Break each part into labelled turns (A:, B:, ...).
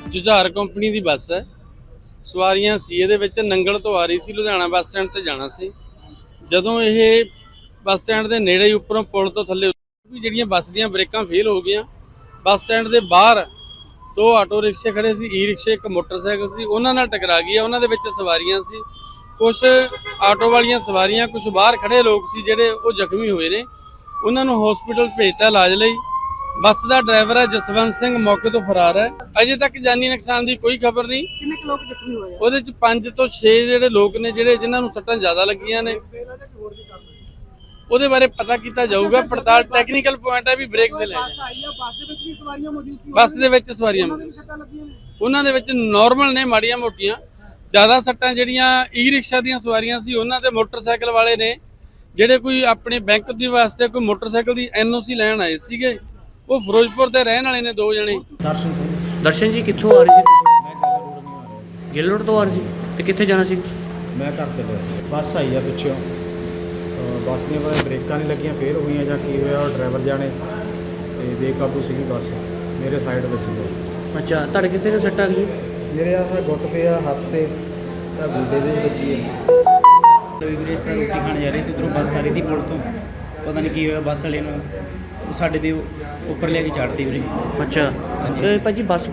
A: Jujhar company की बस है। सवारियां सी ਇਹਦੇ ਵਿੱਚ ਨੰਗਲ ਤੋਂ ਆ ਰਹੀ ਸੀ, ਲੁਧਿਆਣਾ ਬੱਸ ਸਟੈਂਡ ਤੇ ਜਾਣਾ ਸੀ। ਜਦੋਂ ਇਹ ਬੱਸ ਸਟੈਂਡ ਦੇ ਨੇੜੇ ਉੱਪਰੋਂ ਪੁਲ ਤੋਂ ਥੱਲੇ ਵੀ ਜਿਹੜੀਆਂ ਬੱਸ ਦੀਆਂ ਬ੍ਰੇਕਾਂ ਫੇਲ ਹੋ ਗਈਆਂ। ਬੱਸ ਸਟੈਂਡ ਦੇ ਬਾਹਰ ਦੋ ਆਟੋ ਰਿਕਸ਼ੇ ਖੜੇ ਸੀ, ਈ ਰਿਕਸ਼ੇ, ਇੱਕ ਮੋਟਰਸਾਈਕਲ ਸੀ, ਉਹਨਾਂ ਨਾਲ ਟਕਰਾ ਗਈ। ਉਹਨਾਂ ਦੇ ਵਿੱਚ ਸਵਾਰੀਆਂ ਸੀ, ਕੁਝ ਆਟੋ ਵਾਲੀਆਂ ਸਵਾਰੀਆਂ, ਕੁਝ ਬਾਹਰ ਖੜੇ ਲੋਕ ਸੀ ਜਿਹੜੇ ਉਹ ਜ਼ਖਮੀ ਹੋਏ ਨੇ। ਉਹਨਾਂ ਨੂੰ ਹਸਪੀਟਲ ਭੇਜਤਾ ਇਲਾਜ ਲਈ। ਬੱਸ ਦਾ ਡਰਾਈਵਰ ਹੈ ਜਸਵੰਤ ਸਿੰਘ, ਮੌਕੇ ਤੋਂ ਫਰਾਰ ਹੈ। ਅਜੇ ਤੱਕ ਜਾਨੀ ਨੁਕਸਾਨ ਦੀ ਕੋਈ ਖਬਰ ਨਹੀਂ।
B: ਕਿੰਨੇ ਕੁ ਲੋਕ ਜ਼ਖਮੀ ਹੋਏ ਆ?
A: ਉਹਦੇ ਚ 5 ਤੋਂ 6 ਜਿਹੜੇ ਲੋਕ ਨੇ ਜਿਨ੍ਹਾਂ ਨੂੰ ਸੱਟਾਂ ਜ਼ਿਆਦਾ ਲੱਗੀਆਂ ਨੇ, ਉਹਦੇ ਬਾਰੇ ਪਤਾ ਕੀਤਾ ਜਾਊਗਾ। ਪੜਤਾਲ ਟੈਕਨੀਕਲ ਪੁਆਇੰਟ ਹੈ ਵੀ ਬ੍ਰੇਕ ਤੇ ਲੈ
B: ਬੱਸ ਆਈ ਆ, ਬੱਸ ਦੇ ਵਿੱਚ ਵੀ ਸਵਾਰੀਆਂ ਮੌਜੂਦ ਸੀ?
A: ਬੱਸ ਦੇ ਵਿੱਚ ਸਵਾਰੀਆਂ
B: ਸੱਟਾਂ ਲੱਗੀਆਂ ਨੇ?
A: ਉਹਨਾਂ ਦੇ ਵਿੱਚ ਨਾਰਮਲ ਨੇ, ਮਾੜੀਆਂ ਮੋਟੀਆਂ। ਜ਼ਿਆਦਾ ਸੱਟਾਂ ਜਿਹੜੀਆਂ ਈ ਰਿਕਸ਼ਾ ਦੀਆਂ ਸਵਾਰੀਆਂ ਸੀ ਉਹਨਾਂ ਤੇ ਮੋਟਰਸਾਈਕਲ ਵਾਲੇ ਨੇ, ਜਿਹੜੇ ਕੋਈ ਆਪਣੇ ਬੈਂਕ ਦੀ ਵਾਸਤੇ ਕੋਈ ਮੋਟਰਸਾਈਕਲ ਦੀ NOC ਲੈਣ ਆਏ ਸੀਗੇ। ਉਹ ਫਿਰੋਜ਼ਪੁਰ ਦੇ ਰਹਿਣ ਵਾਲੇ ਨੇ, ਦੋ ਜਣੇ।
C: ਦਰਸ਼ਨ ਜੀ ਕਿੱਥੋਂ ਆ ਰਹੇ ਸੀ? ਗਿੱਲ ਰੋਡ ਤੋਂ ਆ ਰਹੇ ਸੀ ਤੇ ਕਿੱਥੇ ਜਾਣਾ ਸੀ?
D: ਮੈਂ ਘਰ ਤੇ ਲਿਆ। ਬੱਸ ਆਈ ਆ ਪਿੱਛੋਂ, ਬੱਸ ਦੀਆਂ ਪਤਾ ਬ੍ਰੇਕਾਂ ਨਹੀਂ ਲੱਗੀਆਂ, ਫੇਲ ਹੋਈਆਂ ਜਾਂ ਕੀ ਹੋਇਆ। ਉਹ ਡਰਾਈਵਰ ਜਾਣੇ ਤੇ ਬੇਕਾਬੂ ਸੀਗੀ ਬੱਸ, ਮੇਰੇ ਸਾਈਡ ਵਿੱਚ ਗਈ।
C: ਅੱਛਾ, ਤੁਹਾਡੇ ਕਿੱਥੇ ਤੇ ਸੱਟ ਆ ਗਈ?
D: ਮੇਰੇ ਆਹ ਗੁੱਟ ਤੇ ਆ, ਹੱਥ ਤੇ ਆ, ਗੁੱਡੇ ਦੇ ਵੱਜੀ ਹੈ।
E: ਵੀਰੇ ਇਸ ਤਰ੍ਹਾਂ ਰੋਟੀ ਖਾਣ ਜਾ ਰਹੇ ਸੀ, ਉੱਧਰੋਂ ਬੱਸ ਆ ਰਹੀ ਸੀ ਪੁਲ ਤੋਂ। ਪਤਾ ਨਹੀਂ ਕੀ ਹੋਇਆ, ਬੱਸ ਵਾਲੇ ਨੂੰ ਸਾਡੇ ਦੇ ਉੱਪਰ ਲਿਆ ਕੇ ਚਾੜਤੀ ਵੀਰੇ।
C: ਅੱਛਾ, ਤੇ ਭਾਜੀ ਬੱਸ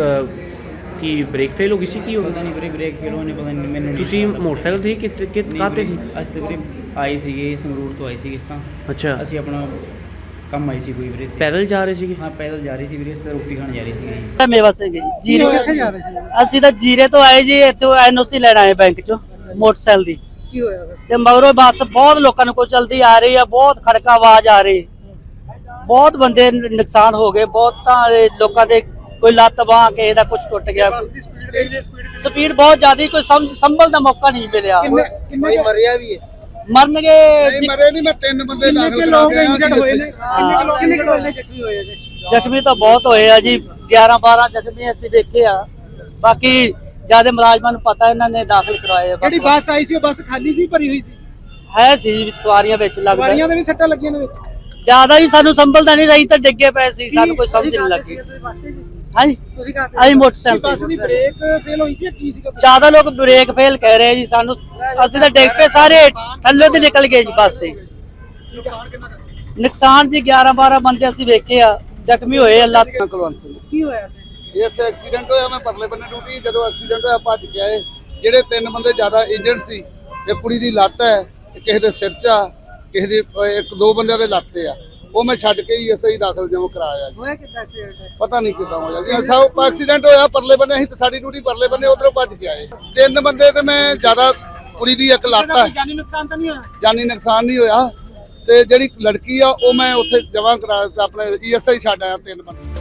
C: ਕੀ ਬ੍ਰੇਕ ਫੇਲ ਹੋ ਗਈ ਸੀ? ਕੀ ਹੋ
E: ਪਤਾ
C: ਗਿਆ?
E: ਨਹੀਂ ਵੀਰੇ, ਬ੍ਰੇਕ ਫੇਲ ਹੋਣੇ, ਪਤਾ ਨਹੀਂ ਮੈਨੂੰ।
C: ਤੁਸੀਂ ਮੋਟਰਸਾਈਕਲ ਤੇ ਕਾਹਤੇ ਸੀ?
E: ਅਸੀਂ ਤਾਂ ਵੀਰੇ ਆਏ ਸੀਗੇ, ਸੰਗਰੂਰ ਤੋਂ ਆਏ ਸੀਗੇ ਇਸ ਤਾਂ।
C: ਅੱਛਾ,
E: ਅਸੀਂ ਆਪਣਾ ਕੰਮ ਆਏ ਸੀ ਕੋਈ ਵੀਰੇ।
C: ਪੈਦਲ ਜਾ ਰਹੇ ਸੀਗੇ?
E: ਹਾਂ, ਪੈਦਲ ਜਾ ਰਹੀ ਸੀ ਵੀਰੇ, ਇਸ ਤਰ੍ਹਾਂ ਰੋਟੀ ਖਾਣ ਜਾ ਰਹੀ ਸੀ।
F: ਮੇਵਾ ਸਿੰਘ ਜੀ, ਜੀਰੇ
B: ਕਿੱਥੇ ਜਾ ਰਹੇ ਸੀ?
F: ਅਸੀਂ ਤਾਂ ਜੀਰੇ ਤੋਂ ਆਏ ਜੀ, ਇੱਥੋਂ NOC ਲੈਣ ਆਏ ਬੈਂਕ ਚੋਂ ਮੋਟਰਸਾਈਕਲ ਦੀ।
B: ਕੀ ਹੋਇਆ ਫਿਰ?
F: ਤੇ ਮਗਰੋਂ ਬੱਸ ਬਹੁਤ ਲੋਕਾਂ ਨੂੰ ਕੋਈ ਚਲਦੀ ਆ ਰਹੀ ਆ, ਬਹੁਤ ਖੜਕਾ ਆਵਾਜ਼ ਆ ਰਹੀ, ਬਹੁਤ ਬੰਦੇ ਨੁਕਸਾਨ ਹੋ ਗਏ। ਬਹੁਤਾਂ ਦੇ ਲੋਕਾਂ ਦੇ ਕੋਈ ਲੱਤ ਬਾਂਹ, ਕਿਸੇ ਦਾ ਕੁਝ ਟੁੱਟ ਗਿਆ। ਸਪੀਡ ਬਹੁਤ ਜ਼ਿਆਦਾ, ਕੋਈ ਸੰਭਲ ਦਾ ਮੌਕਾ ਨਹੀਂ ਮਿਲਿਆ।
B: ਕਿੰਨੇ ਮਰਿਆ ਵੀ ਹੈ?
F: ਮਰਨਗੇ
D: ਮਰੇ ਨਹੀਂ, ਮੈਂ 3 ਬੰਦੇ
B: ਕਿੰਨੇ ਲੋਕ ਇੰਜਰਡ ਹੋਏ ਨੇ? ਕਿੰਨੇ ਲੋਕ ਜ਼ਖਮੀ ਹੋਏ ਨੇ?
F: ਜ਼ਖਮੀ ਤਾਂ ਬਹੁਤ ਹੋਏ ਆ ਜੀ, 11-12 ਜ਼ਖਮੀ ਅਸੀਂ ਦੇਖੇ ਆ। ਬਾਕੀ ਜਿਆਦਾ ਮੁਲਾਜ਼ਮਾਂ ਨੂੰ ਪਤਾ, ਇਹਨਾਂ ਨੇ ਦਾਖਲ ਕਰਵਾਏ ਆ।
B: ਜਿਹੜੀ ਬੱਸ ਆਈ ਸੀ ਉਹ ਬੱਸ ਖਾਲੀ ਸੀ, ਭਰੀ ਹੋਈ ਸੀ?
F: ਹੈ ਸੀ ਸਵਾਰੀਆਂ ਵਿੱਚ ਲੱਗਦਾ।
B: ਸਵਾਰੀਆਂ ਦੇ ਵੀ ਸੱਟਾਂ ਲੱਗੀਆਂ ਨੇ ਵਿੱਚ?
F: ਜਿਆਦਾ ਹੀ ਸਾਨੂੰ ਸੰਭਲਦਾ ਨਹੀਂ ਰਹੀ, ਤਾਂ ਡਿੱਗੇ ਪਏ ਸੀ, ਸਾਨੂੰ ਕੋਈ ਸਮਝ ਨਹੀਂ ਲੱਗੀ। ਹਾਂਜੀ,
B: ਤੁਸੀਂ ਕਹਤੇ
F: ਅਸੀਂ ਮੋਟਰਸਾਈਕਲ
B: ਬੱਸ ਦੀ ਬ੍ਰੇਕ ਫੇਲ ਹੋਈ ਸੀ, ਕੀ ਸੀਗਾ?
F: ਜ਼ਿਆਦਾ ਲੋਕ ਬ੍ਰੇਕ ਫੇਲ ਕਹਿ ਰਹੇ ਜੀ ਸਾਨੂੰ। ਅਸੀਂ ਤਾਂ ਡਿੱਗ ਪਏ, ਸਾਰੇ ਥੱਲੇ ਤੇ ਨਿਕਲ ਗਏ ਜੀ ਬੱਸ ਦੇ। ਨੁਕਸਾਨ ਜੀ 11-12 ਬੰਦੇ ਅਸੀਂ ਵੇਖੇ ਆ, ਜ਼ਖਮੀ ਹੋਏ ਆ।
D: ਕੁਲਵੰਤ ਸਿੰਘ।
B: ਕੀ ਹੋਇਆ?
D: ਇੱਥੇ ਐਕਸੀਡੈਂਟ ਹੋਇਆ, ਮੈਂ ਪਰਲੇ ਬੰਨੇ ਡਿਊਟੀ, ਜਦੋਂ ਐਕਸੀਡੈਂਟ ਹੋਇਆ ਭੱਜ ਕੇ ਆਏ। ਜਿਹੜੇ 3 ਬੰਦੇ ਜ਼ਿਆਦਾ ਇੰਜਰਡ ਸੀ, ਇੱਕ ਕੁੜੀ ਦੀ ਲੱਤ ਹੈ, ਕਿਸੇ ਦੇ ਸਿਰ 'ਚ ਆ, ਕਿਸੇ ਦੀ 1-2 ਬੰਦਿਆਂ ਦੇ ਲੱਤ ਤੇ ਆ। ਉਹ ਮੈਂ ਛੱਡ ਕੇ ਹੀ SI ਦਾਖਲ ਜਿਉਂ ਕਰਾਇਆ ਜੀ।
B: ਹੋਇਆ ਕਿੱਦਾਂ ਐਕਸੀਡੈਂਟ?
D: ਪਤਾ ਨਹੀਂ ਕਿੱਦਾਂ ਹੋਇਆ ਜੀ। ਸਭ ਐਕਸੀਡੈਂਟ ਹੋਇਆ ਪਰਲੇ ਬੰਨੇ, ਅਸੀਂ ਤਾਂ ਸਾਡੀ ਡਿਊਟੀ ਪਰਲੇ ਬੰਨੇ, ਉਧਰੋਂ ਭੱਜ ਕੇ ਆਏ। 3 ਬੰਦੇ ਤੇ ਮੈਂ ਜ਼ਿਆਦਾ, ਕੁੜੀ ਦੀ ਇੱਕ ਲੱਤ ਹੈ,
B: ਜਾਨੀ ਨੁਕਸਾਨ ਤਾਂ ਨਹੀਂ ਹੋਇਆ?
D: ਜਾਨੀ ਨੁਕਸਾਨ ਨਹੀਂ ਹੋਇਆ। ਤੇ ਜਿਹੜੀ ਲੜਕੀ ਆ ਉਹ ਮੈਂ ਉੱਥੇ ਜਮ੍ਹਾਂ ਕਰਾ, ਆਪਣੇ ESI ਛੱਡ ਆਇਆ 3 ਬੰਦੇ।